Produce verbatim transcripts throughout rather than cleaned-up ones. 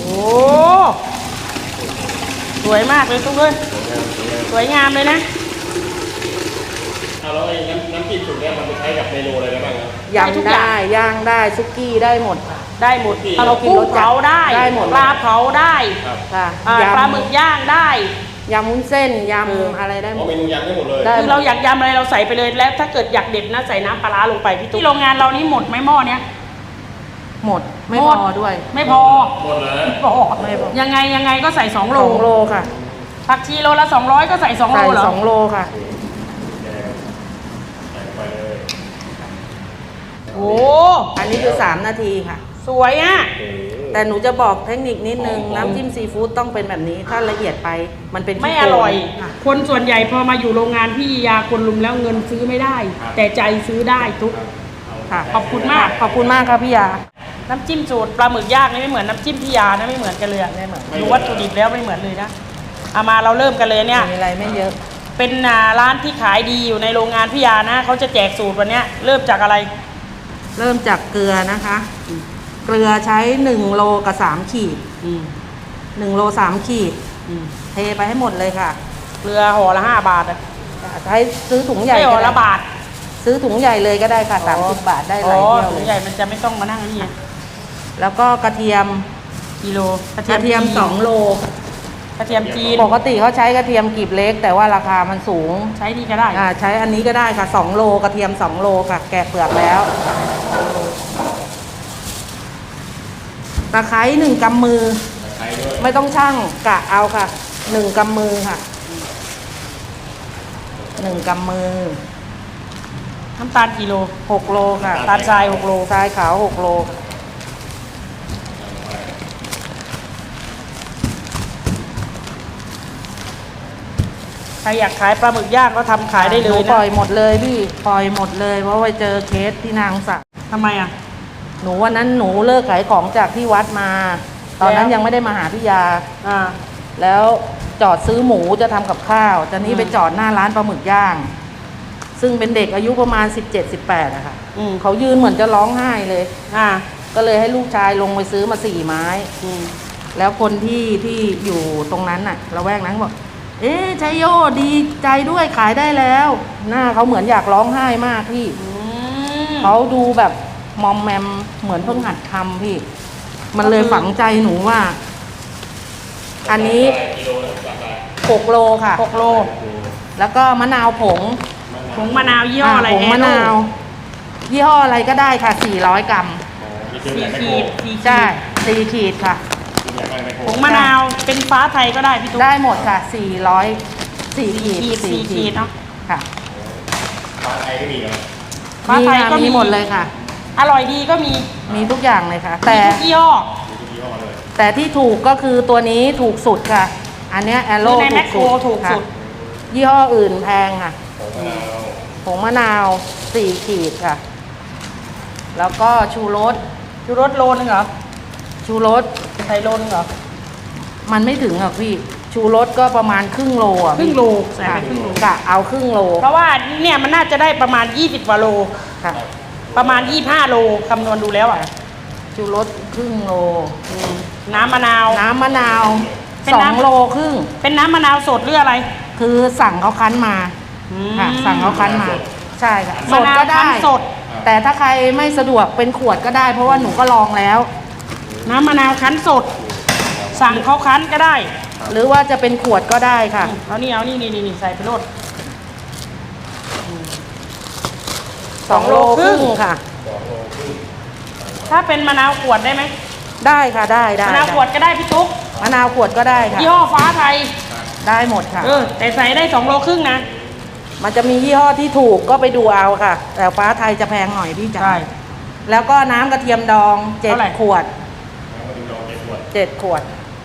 โอ้สวยมากเลยทุกคนสวยงามเลยนะเอาแล้วไอ้น้ำน้ำจิ้มสูตรนี้มันไปใช้กับเมนูอะไรได้บ้างครับยำได้ย่างได้ซุกี้ได้หมดได้หมดถ้าเรากินรสจัดเผาได้ได้หมดปลาเผาได้ค่ะปลาหมึกย่างได้ยำวุ้นเส้นยำอะไรได้หมดเมนูยำได้หมดเลยคือเราอยากยำอะไรเราใส่ไปเลยแล้วถ้าเกิดอยากเด็ดนะใส่น้ำปลาร้าลงไปพี่ตุ๊กที่โรงงานเรานี่หมดไหมหม้อเนี้ยหมดไม่พอด้วยไม่พอหมดเลยพอยังไงยังไงก็ใส่สองโลสองโลค่ะผักชีโลละสองร้อยก็ใส่สองโลเหรอใส่สองโลค่ะโอ้อันนี้คือสามนาทีค่ะสวยอ่ะแต่หนูจะบอกเทคนิคนิดนึงน้ำจิ้มซีฟู้ดต้องเป็นแบบนี้ถ้าละเอียดไปมันเป็นไม่อร่อยคนส่วนใหญ่พอมาอยู่โรงงานพี่ยาคนลุมแล้วเงินซื้อไม่ได้แต่ใจซื้อได้ทุกค่ะขอบคุณมากขอบคุณมากครับพี่ยาน้ำจิ้มสูตรปลาหมึกย่างนี่ไม่เหมือนน้ำจิ้มพี่ยานะไม่เหมือนกันเลยไม่เหมือนดูวัตถุดิบแล้วไม่เหมือนเลยนะเอามาเราเริ่มกันเลยเนี่ยมีอะไรไม่เยอะเป็นร้านที่ขายดีอยู่ในโรงงานพี่ยานะเขาจะแจกสูตรวันนี้เริ่มจากอะไรเริ่มจากเกลือนะคะเกลือใช้หนึ่งโลกับสามขีดหนึ่งโลสามขีดเทไปให้หมดเลยค่ะเกลือห่อละห้าบาทอ่ะใช้ซื้อถุงใหญ่ห่อละบาทซื้อถุงใหญ่เลยก็ได้ค่ะสามสิบบาทได้หลายเที่ยวถุงใหญ่มันจะไม่ต้องมานั่งนี่แล้วก็กระเทียมกิโลกระเทียมสองโลกระเทียมจีนปกติเขาใช้กระเทียมกลีบเล็กแต่ว่าราคามันสูงใช้นี่ก็ได้อ่าใช้อันนี้ก็ได้ค่ะสองโลกระเทียมสองโลค่ะแกะเปลือกแล้วตะไคร้หนึ่งกำมือไม่ต้องชั่งกะเอาค่ะหนึ่งกำมือค่ะหนึ่งกำมือน้ำตาลกิโลหกโลค่ะตาลทรายหกโลทรายขาวหกโลใครอยากขายปลาหมึกย่างก็ทำขายได้เลยนะปล่อยหมดเลยพี่ปล่อยหมดเลยเพราะว่าเจอเคสที่นางสักทำไมอ่ะหนูวันนั้นหนูเลิกขายของจากที่วัดมาตอนนั้นยังไม่ได้มาหาพี่ยาอ่าแล้วจอดซื้อหมูจะทำกับข้าวจะนี้ไปจอดหน้าร้านปลาหมึกย่างซึ่งเป็นเด็กอายุประมาณสิบเจ็ด สิบแปดอะค่ะเขายืนเหมือนจะร้องไห้เลยอ่าก็เลยให้ลูกชายลงไปซื้อมาสี่ไม้แล้วคนที่ที่อยู่ตรงนั้นน่ะละแวกนั้นบอกเอ๊ะชัยโยดีใจด้วยขายได้แล้วหน้าเขาเหมือนอยากร้องไห้มากพี่เขาดูแบบมอมแมมเหมือนเพิ่งหัดทำพี่มันเลยฝังใจหนูว่าอันนี้หกโลค่ะหกโลแล้วก็มะนาวผงผงมะนาวยี่ห้ออะไรผงมะนาวยี่ห้ออะไรก็ได้ค่ะสี่ร้อยกรัมสี่ขีดใช่สี่ขีดค่ะผงมะนาวเป็นฟ้าไทยก็ได้พี่ตุ๊กได้หมดค่ะสี่ร้อยสี่ขีดสี่ขีดเนาะค่ะฟ้าไทยก็มีครับฟ้าไทยก็มีหมดเลยค่ะอร่อยดีก็มีมีทุกอย่างเลยค่ะแต่ยี่ห้อแต่ที่ถูกก็คือตัวนี้ถูกสุดค่ะอันนี้แอโร่ถูกสุดยี่ห้ออื่นแพงค่ะผงมะนาวสี่ขีดค่ะแล้วก็ชูรสชูรสโลนึงเหรอชูรสใส่โลนึงเหรอมันไม่ถึงหรอกพี่ชูรสก็ประมาณครึ่งโลอ่ะครึ่งโลใส่ไปครึ่งโลกะเอาครึ่งโลเพราะว่าเนี่ยมันน่าจะได้ประมาณยี่สิบกว่าโลค่ะประมาณยี่สิบห้าโลคำนวณดูแล้วอ่ะชูรสครึ่งโลน้ำมะนาวน้ำมะนาวสองโลครึ่งเป็นน้ำมะนาวสดหรืออะไรคือสั่งเขาคั้นมาค่ะสั่งเขาคั้นมาใช่ค่ะสดก็ได้สดแต่ถ้าใครไม่สะดวกเป็นขวดก็ได้เพราะว่าหนูก็ลองแล้วน้ำมะนาวคั้นสดสั่งเขาคั้นก็ได้หรือว่าจะเป็นขวดก็ได้ค่ะเอานี่เอานี่นี่นี่ใส่ไปโลดสองโลครึ่งค่ะถ้าเป็นมะนาวขวดได้ไหมได้ค่ะได้ได้มะนาวขวดก็ได้พี่ตุ๊กมะนาวขวดก็ได้ค่ะยี่ห้อฟ้าไทยได้หมดค่ะเออแต่ใส่ได้สองโลครึ่งนะมันจะมียี่ห้อที่ถูกก็ไปดูเอาค่ะแต่ฟ้าไทยจะแพงหน่อยพี่จ๋าใช่แล้วก็น้ำกระเทียมดองเจ็ดขวดเจ็ดขวด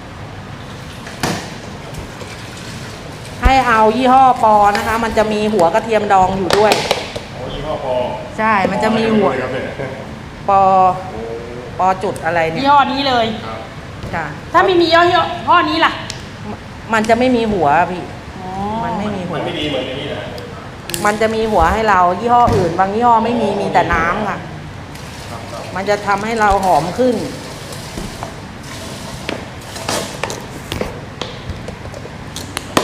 ให้เอายี่ห้อปอนะคะมันจะมีหัวกระเทียมดองอยู่ด้วยยี่ห้อปอใช่มันจะมีหัวปอปอจุดอะไรเนี่ยยี่ห้อนี้เลยค่ะถ้าไม่มียี่ห้อนี้ล่ะมันจะไม่มีหัวพี่มันไม่มีหัวมันไม่ดีเหมือนนี้นะมันจะมีหัวให้เรายี่ห้ออื่นบางยี่ห้อไม่มีมีแต่น้ำค่ะมันจะทำให้เราหอมขึ้น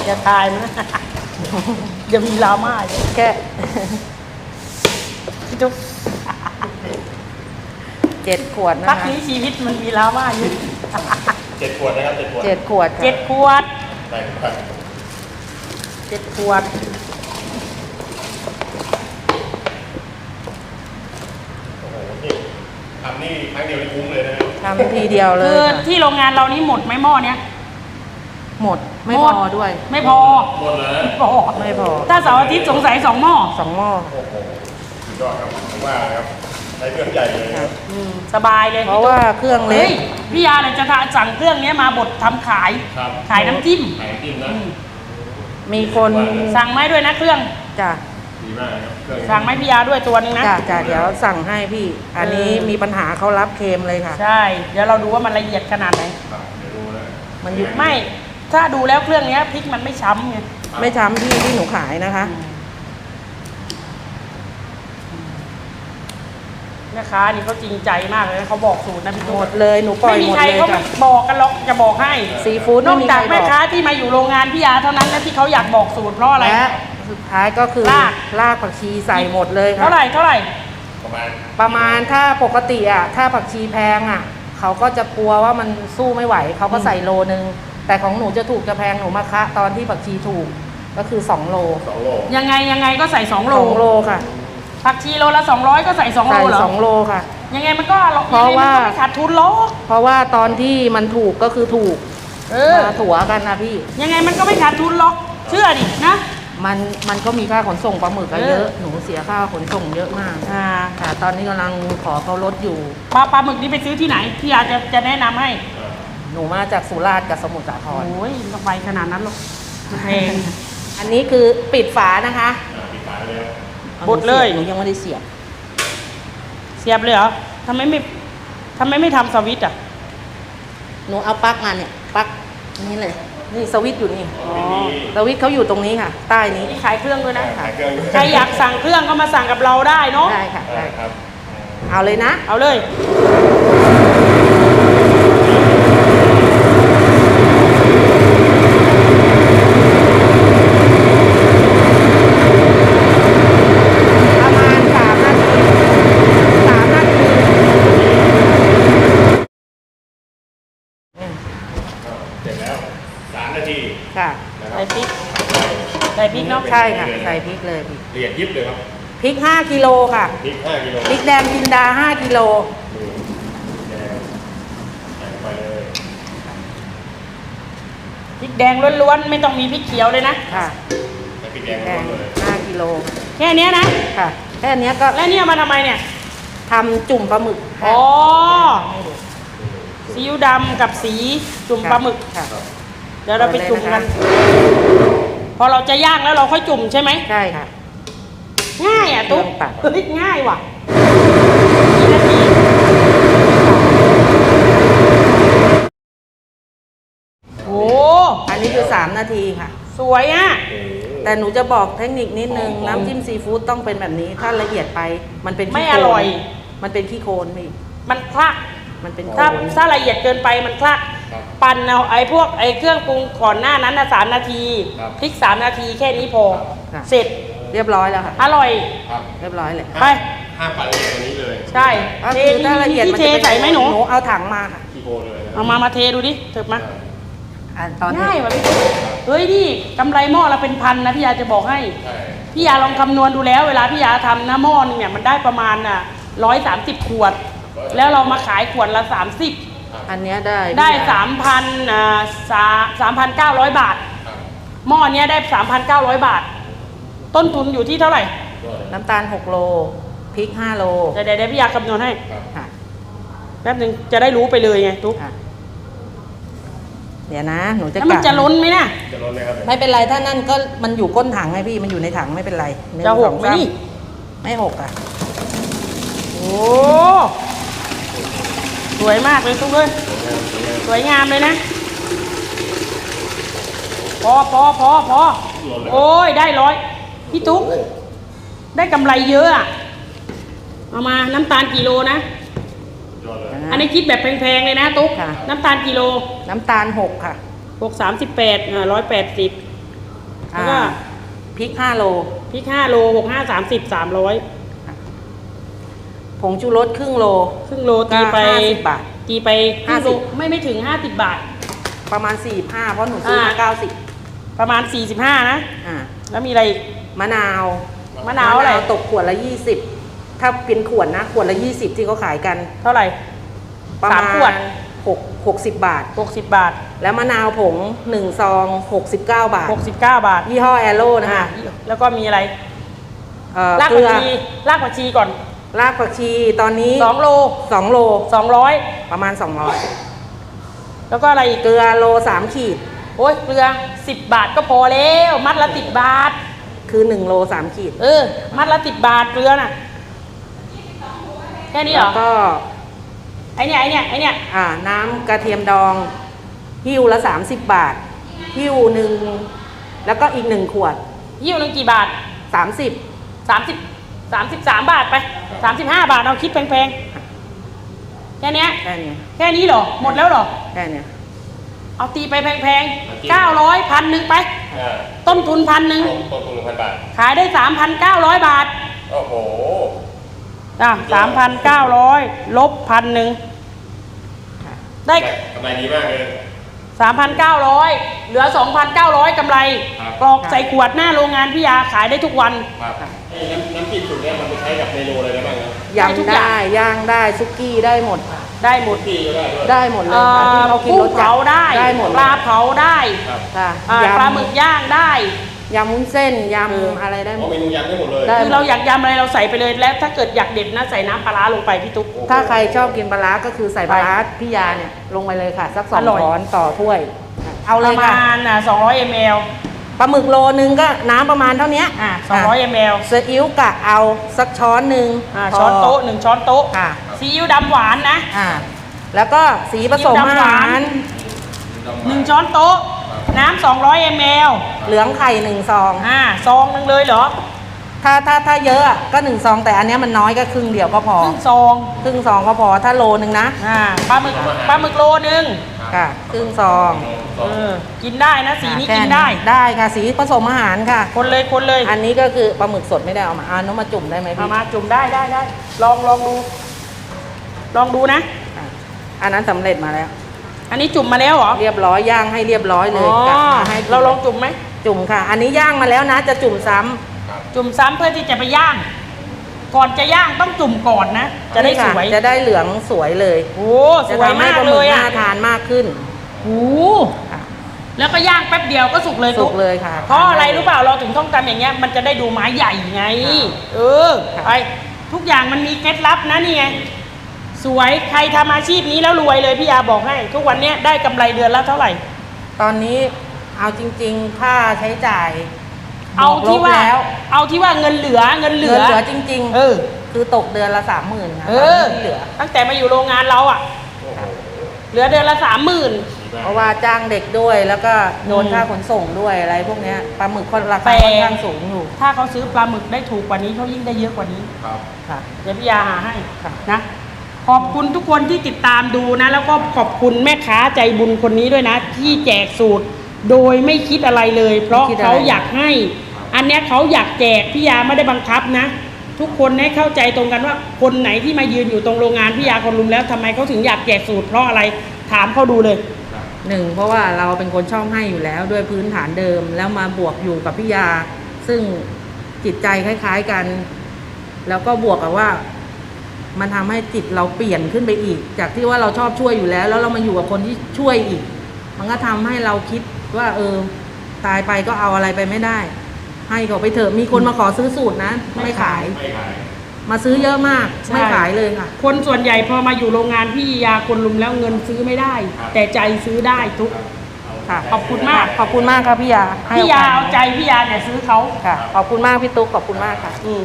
อย่าทายมันนะ เดี๋ยวมีดราม่าอีกแค่พี่ตุ๊กเจ็ดขวดนะพักคะนี้ชีวิตมันมีดราม่าอยู่เจ็ดขวดนะครับเจ็ดขวดเจ็ดขวดค่ะเจ็ดขวดใส่ครับเจ็ดขวดโอ้โหนี่ทำนี่ครั้งเดียวนี่คุ้มเลยนะทำทีเดียวเลคืยอค่ะที่โรงงานเรานี่หมดไหมหม้อเนี้ยหมดไม่หพมดอด้วยไม่พอหมดเลยไม่พอไม่พอถ้าเสาร์อาทิตย์สงสัยสองหม้อสองหม้อโอ้โหสุดยอดครับผมว่านะครับใช้เครื่องใหญ่เลยครับอืมสบายเลยเพราะว่าเครื่องเล็เฮ้กยพี่ยาเนี่ยจะสั่งเครื่องเนี้ยมาบดทำขายครับขายน้ำจิ้มขายน้ำจิ้มนะอืมมีคนสั่งไหมด้วยนะเครื่องจ้ะดีมากนะครับเครื่องสั่งไหมพี่ยาด้วยตัวนึงนะจ้ะจ้ะเดี๋ยวสั่งให้พี่ อันนี้เออมีปัญหาเขารับเคลมเลยค่ะใช่ เดี๋ยวเราดูว่ามันละเอียดขนาดไหนครับเดี๋ยวดูนะมันอยู่ไม่ ถ้าดูแล้วเครื่องเนี้ยพริกมันไม่ช้ำไงไม่ช้ำที่ที่หนูขายนะคะแม่ค้านี่เขาจริงใจมากเลยนะเขาบอกสูตรนะพี่หตุ๊มกดเลยหนูปล่อยไม่มีหมดใครเลยเขาไม่จ้ะบอกกันหรอกจะบอกให้ซีฟู้ดนไม่อกมีจากใครแม่บอกค้าที่มาอยู่โรงงานพี่ยาเท่านั้นนะที่เขาอยากบอกสูตรเพราะอะไรและสุดท้ายก็คือรากรากผักชีใส่หมดเลยค่ะเท่าไหร่เท่าไหร่ประมาณประมาณถ้าปกติอ่ะถ้าผักชีแพงอ่ะเขาก็จะกลัวว่ามันสู้ไม่ไหวเขาก็ใส่โลนึง แต่ของหนูจะถูกจะแพงหนูมาคะตอนที่ผักชีถูกก็คือสองโลสองโลยังไงยังไงก็ใส่สองโลสองโลค่ะผักชีโลละสองร้อยก็ใส่สองโลใส่เหรอสองโลค่ะยังไงมันก็เพราะว่ายังไงมันก็ไม่ขาดทุนหรอกเพราะว่าตอนที่มันถูกก็คือถูกเออมาถัวกันนะพี่ยังไงมันก็ไม่ขาดทุนหรอกเชื่อดินะมันมันก็มีค่าขนส่งปลาหมึกอะเออเยอะ หนูเสียค่าขนส่งเยอะมากอ่าค่ะตอนนี้กำลังขอเขาลดอยู่ปลาปลาหมึกนี่ไปซื้อที่ไหนพี่ยาจะจะแนะนำให้หนูมาจากสุราษฎร์กับสมุทรสาครโอ้ยไม่ต้องไปขนาดนั้นหรอกแพงอันนี้คือปิดฝานะคะอ่าปิดฝาเลยครับบดเลยหนูยังไม่ได้เสียบเสียบเลยเหรอทำไมไม่ทำไมไม่ทำสวิตช์อ่ะหนูเอาปลั๊กมาเนี่ยปลั๊กนี่เลย นี่สวิตช์อยู่นี่อ๋อสวิตช์เขาอยู่ตรงนี้ค่ะ ใต้นี้นี่ขายเครื่องด้วยนะขายเครื่องด้วยใครอยากสั่งเครื่องก็มาสั่งกับเราได้เนาะได้ค่ะได้ได้ครับเอาเลยนะเอาเลยประมาณสามนาทีสามนาทีอืมเสร็จแล้วสามนาทีค่ะนะครัใส่บพริกใส่พริกเนาะใช่ค่ะ ใส่พริกเลยพี่ละเอียดยิบเลยครับพริกห้ากิโลค่ะพริกห้ากิโลพริกแดงจินดาห้ากิโลดูแดงใส่ไปเลยพริกแดงล้วนๆไม่ต้องมีพริกเขียวเลยนะค่ะใส่พริกแดงแดลงงเลยห้ากิโลแค่เนี้ยนะค่ะ แค่เนี้ยก็แล้วเนี่ยมาทำไมเนี่ยทำจุ่มปลาหมึกอ๋อให้ดูซีอิ๊วดำกับสีจุ่มปลาหมึกค่ะเดี๋ยวเราไปจุ่มกันเลยะคะพอเราจะย่างแล้วเราค่อยจุ่มใช่ไหมใช่ค่ะง่ายอ่ะตุ๊กเครื่องปั่นเฮ้ยง่ายว่ะกี่นาทีโอ้อันนี้คือสามนาทีค่ะสวยอ่ะโอ้โหแต่หนูจะบอกเทคนิคนิดนึงหอมๆน้ำจิ้มซีฟู้ดต้องเป็นแบบนี้ ถ้าละเอียดไปมันเป็นขี้ไม่โคลนอร่อยมันเป็นขี้โคลนพี่มันคลักมันเป็นถ้าโคลนถ้าละเอียดเกินไปมันคลักครับปั่นเอาไอ้พวกไอ้เครื่องปรุงก่อนหน้านั้นนะสามนาทีครับพริกสามนาทีแค่นี้พอค่ะเสร็จเรียบร้อยแล้วค่ะอร่อยครับเรียบร้อยเลยไปห้ามปั่นละเอียดกว่านี้เลยใช่ก็เทคือถ้าละเอียดที่มันเทจะเป็นใส่ไหมหนูหนูเอาถังมาค่ะขี้โกเลยนะเอามามาเทดูดิเถิบมาอ่ะตอนนี้ง่ายว่ะพี่ตุ๊กเฮ้ยนี่กำไรหม้อละเป็นพันนะพี่ยาจะบอกให้ใช่พี่ยาลองคำนวณดูแล้ว เวลาพี่ยาทำนะหม้อนึงเนี่ยมันได้ประมาณอ่ะร้อยสามสิบขวด แล้วเรามาขายขวดละสามสิบอันเนี้ยได้ได้พี่ยสามพันอ่าสาสามพันเก้าร้อยบาทครับหม้อเนี้ยได้สามพันเก้าร้อยบาท ต้นทุนอยู่ที่เท่าไหร่ยอดเลยน้ำตาลหกโลพริกห้าโลเดี๋ยวเดี๋ยวเดี๋ยวพี่ยาคำนวณให้ครับค่ะแป๊บหนึงจะได้รู้ไปเลยไงตุ๊กค่ะ เดี๋ยวนะ หนูจะแล้วมันกจะล้นไหมนะจะลดไหมครับไม่เป็นไรถ้านั่นก็มันอยู่ก้นถังไงพี่มันอยู่ในถังไม่เป็นไรนึ่งจะหสกองไหมสานี่ไม่หกอ่ะโอ้สวยมากเลยตุ๊กเลยสวยงามเลยนะ พอพอพอพอโอ้ยได้ร้อยพี่ตุ๊กได้กำไรเยอะอะเอามาน้ำตาลกิโลนะยอดเลยนะอันนี้คิดแบบแพงๆเลยนะตุ๊กค่ะน้ำตาลกิโลน้ำตาลหกค่ะหกสามสิบแปดอ่าร้อยแปดสิบแล้วก็อ่าพริกห้าโลพริกห้าโลหกห้าสามสิบสามร้อยผงชูรสครึ่งโลครึ่งโลตีไปก็ห้าสิบบาทตีไปครึ่งโลห้าสิบไม่ไม่ถึงห้าสิบบาทประมาณสี่ห้าเพราะหนูซื้อมาอ่าเก้าสิบประมาณสี่สิบห้านะอ่าแล้วมีอะไรอีกมะนาวมะนาวอะไรตกขวดละยี่สิบถ้าเป็นขวดนะขวดละยี่สิบที่เขาขายกันเท่าไหร่ประสามมาณขวดหกหกสิบบาทหกสิบบาทแล้วมะนาวผงหนึ่งซองหกสิบเก้าบาทหกสิบเก้าบาทยี่ห้อแอโร่นะอ่าคะแล้วก็มีอะไรเอ่อรากเกผัลืกอชีรากผักชีก่อนรากผักชีตอนนี้สองโลสองโลสองร้อยประมาณสองร้อยแล้วก็อะไรอีกเกลือโลสามขีดโอ้ยเกลือสิบบาทก็พอแล้ว มัดละสิบบาทคือหนึ่งโลสามขีดเออ มัดละสิบบาทเกลือน่ะ แค่นี้เหรแล้อวก็ไอเนี่ยไอเนี่ยไอเนี่ยอ่าน้ำกระเทียมดองหิ้วละสามสิบบาทหิ้วหนึ่งแล้วก็อีกหนึ่งขวดยี่หนึ่งกี่บาทสามสิบสามสิบสามสิบสามบาทไปสามสิบห้าบาทเอาคิดแพงๆ แค่เนี้ยแค่นี้แค่นี้เหรอ หมดแล้วเหรอแค่เนี้ยเอาตีไปแพงๆเก้าร้อยพันหนึ่งไปอ่าต้นทุนพันหนึ่งต้นทุนหนึ่งพันบาทขายได้สามพันเก้าร้อยบาทโอ้โหอ่ะสามพันเก้าร้อยลบพันหนึ่งได้กำไรดีมากเลยสามพันเก้าร้อยเหลือสองพันเก้าร้อยกำไรครับกรอกใส่ขวดหน้าโรงงานพี่ยาขายได้ทุกวันครับไอ้น้ำน้ำจิ้มสูตรเนี้ยมันไปใช้กับเมนูอะไรได้บ้างครับได้ทุกยำอย่างได้ย่างได้ซุกี้ได้หมดค่ะได้หมดที่ก็ได้ด้วยได้หมดเลยเอ่ค่ะที่อเขากินกุ้รง สจัดเผาได้ได้หมดปลาเผาได้ครับค่ะอ่ายำปลาหมึกย่างได้ยำวุ้นเส้นยเออำอะไรได้หมอ๋อดเมนูยำได้หมดเลยได้คือเราอยากยำอะไรเราใส่ไปเลยแล้วถ้าเกิดอยากเด็ดนะใส่น้ำปลาร้าลงไปพี่ตุ๊กถ้าใครชอบกินปลาร้าก็คือใส่ปลาร้าพี่ยาเนี่ยลงไปเลยค่ะ สักสองอร่อยช้อนต่อถ้วย เอาปเลยระค่ะมาณอ่ะสองร้อยมลปลาหมึกโลนึงก็น้ำประมาณเท่านี้อ่ะสองร้อยมลซีอิ๊วกะเอาสักช้อนหนึ่งอ่ะพช้อนโต๊ะหนึ่งช้อนโต๊ะค่ะซีอิ๊วดำหวานนะอ่าแล้วก็สีผสมซีอิ๊วอาดำหวาหาน รหนึ่งช้อนโต๊ะน้ำสองร้อยมลเหลืองไข่หนึ่งซองอ่าซองหนึงเลยเหรอถ้าถ้าถ้าเยอะอะก็หนึ่งซองแต่อันเนี้ยมันน้อยก็ครึ่งเดียวก็พอครึ่งซองครึ่งซองก็พอถ้าโลนึงนะอ่าปลาหมึกปลาหมึกโลนึงค่ะครึ่งซองเออกินได้นะสีนี้แค่กินได้ได้ค่ะสีผสมอาหารค่ะคนเลยคนเลยอันนี้ก็คือปลาหมึกสดไม่ได้เอามาเอาน้ำมาจุ่มได้ไหมเอาพี่มาจุ่มได้ได้ได้ลองลองดู ลองดูนะอ่ะอันนั้นสำเร็จมาแล้วอันนี้จุ่มมาแล้วเหรอเรียบร้อยย่างให้เรียบร้อยเลอ๋ยอกลับมาให้กินเราลองจุ่มไหมจุ่มค่ะ อันนี้ย่างมาแล้วนะ จะจุ่มซ้ำจุ่มซ้ำเพื่อที่จะไปย่าง ก่อนจะย่างต้องจุ่มก่อนนะ จะได้สนี่ค่วยจะได้เหลืองสวยเลยโอ้สจะวยทำให้มากปลาหเลมึกยน่าอ่ะทานมากขึ้นโอ้ค่ะแล้วก็ย่างแป๊บเดียวก็สุกเลยสุตุ๊กเลยค่ะเพราะอะไรรู้เปล่าเราถึงต้องทำอย่างเงี้ยมันจะได้ดูไม้ใหญ่ไง เออค่ะไปทุกอย่างมันมีเคล็ดลับนะนี่ไงสวยใครทำอาชีพนี้แล้วรวยเลยพี่ยาบอกให้ ทุกวันเนี้ยได้กำไรเดือนละเท่าไหร่ตอนนี้เอาจริงๆ ค่าใช้จ่ายเอาที่บกลบว่าแล้วเอาที่ว่าเงินเหลือเงินเหลืเงิอนเหลือจริงเออๆ คือตกเดือนละสามหมื่นค่ะเอตอนอนี้ที่เหลือตั้งแต่มาอยู่โรงงานเราอ่ะ เหลือเดือนละสามหมื่นเพราะว่าจ้างเด็กด้วยแล้วก็โดนอืมค่าขนส่งด้วยอะไรพวกเนี้ยปลาหมึกคนราคาแต่ค่อนข้างสูงอยู่ถ้าเขาซื้อปลาหมึกได้ถูกกว่านี้เขายิ่งได้เยอะกว่านี้ครับค่ะเดี๋ยวพี่ยาหาให้ค่ะนะ ขอบคุณทุกคนที่ติดตามดูนะ แล้วก็ขอบคุณแม่ค้าใจบุญคนนี้ด้วยนะ ที่แจกสูตร โดยไม่คิดอะไรเลย เพราะไม่คิดอะไรเขาอยากให้ อันเนี้ยเขาอยากแจกพี่ยาไม่ได้บังคับนะ ทุกคนให้เข้าใจตรงกันว่าคนไหนที่มายืนอยู่ตรงโรงงานพี่ยาคนลุมแล้วทำไมเขาถึงอยากแจกสูตรเพราะอะไรถามเขาดูเลยหนึ่งเพราะว่าเราเป็นคนชอบให้อยู่แล้วด้วยพื้นฐานเดิมแล้วมาบวกอยู่กับพี่ยา ซึ่งจิตใจคล้ายๆกัน แล้วก็บวกกับว่า มันทำให้จิตเราเปลี่ยนขึ้นไปอีก จากที่ว่าเราชอบช่วยอยู่แล้ว แล้วเรามาอยู่กับคนที่ช่วยอีก มันก็ทำให้เราคิดว่า เออ ตายไปก็เอาอะไรไปไม่ได้ ให้เขาไปเถอะมีคนมาขอซื้อสูตรนะ ไม่ขายไม่ขายมาซื้อเยอะมากใช่ไม่ขายเลยค่ะคนส่วนใหญ่พอมาอยู่โรงงานพี่ยาคนลุมแล้วเงินซื้อไม่ได้ แต่ใจซื้อได้ทุกค่ะขอบคุณมากขอบคุณมากครับพี่ยาให้พี่ยาโกสเอาใจพี่ยาเนี่ยซื้อเขาค่ะ ขอบคุณมากพี่ตุ๊กขอบคุณมากค่ะอืม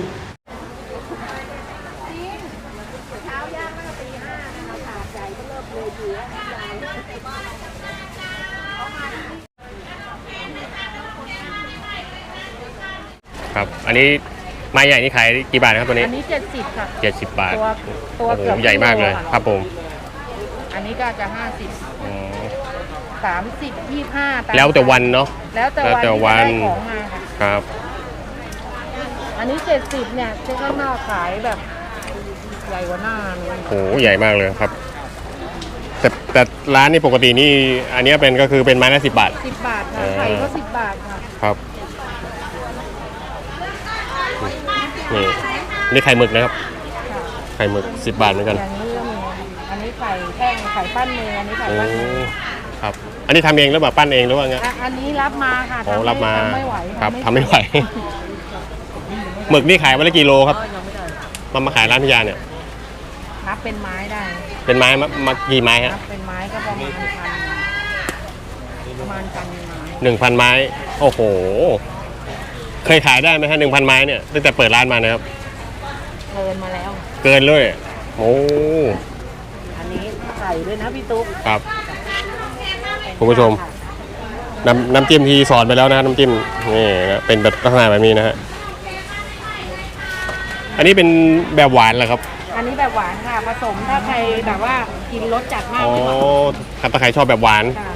ครับ อันนี้ไม้ใหญ่นี่ขายกี่บาทครับตัวนี้อันนี้เจ็ดสิบค่ะเจ็ดสิบบาทตัวตัวโอ้โหเกือบใหญ่มากเลยกิโลอะครับผมอันนนี้ก็จะห้าสิบอ๋อสามสิบยี่ห้าแล้วแต่วันเนาะแล้วแต่แล้วแต่วัวันนที่จะได้ของมาค่ะครับอันนี้เจ็ดสิบเนี่ยเจ๊ข้างนอกขายแบบใหญ่กว่าหน้าเลยโหใหญ่มากเลยครับ แต่แต่ร้านนี่ปกตินี่อันเนี้ยเป็นก็คือเป็นไม้ละสิบบาทสิบบาทค่ะอ่าไข่ก็สิบบาทค่ะครับนี่นี่ไข่หมึกนะครับค่ะไข่หมึกสิบบาทเหมือนกันอย่างนี้ก็มีอันนี้ไข่แท่งไข่ปั้นมืออันนี้ไข่โอ้ปั้นมือครับ อันนี้ทำเองหรือเปล่าปั้นเองหรือว่าไงอ่ะอันนี้รับมาค่ะโอ้ทำรับมาทำไม่ไหวครับทำไม่ไหว หมึกนี่ขายวันละกี่โลครับก็ยังไม่ได้มามาขายร้านพิยาเนี่ยนับเป็นไม้ได้เป็นไม้มามากี่ไม้ฮะนับเป็นไม้ก็ประมาณพันประมาณพันไม้หนึ่งพันไม้ โอ้โห เคยขายได้ไหมฮะหนึ่งพันไม้เนี่ยตั้งแต่เปิดร้านมานะครับเกินมาแล้วเกินเลยโอ้อันนี้ไข่ด้วยนะพี่ตุ๊กครับ คุณผู้ชม น้ำน้ำจิ้มที่สอนไปแล้วนะน้ำจิ้มนี่นะเป็นแบบลักษณะแบบนี้นะฮะอันนี้เป็นแบบหวานเหรอครับอันนี้แบบหวานค่ะผสมถ้าใครแบบว่ากินรสจัดมากอ๋อก็ครับถ้าใครชอบแบบหวานค่ะ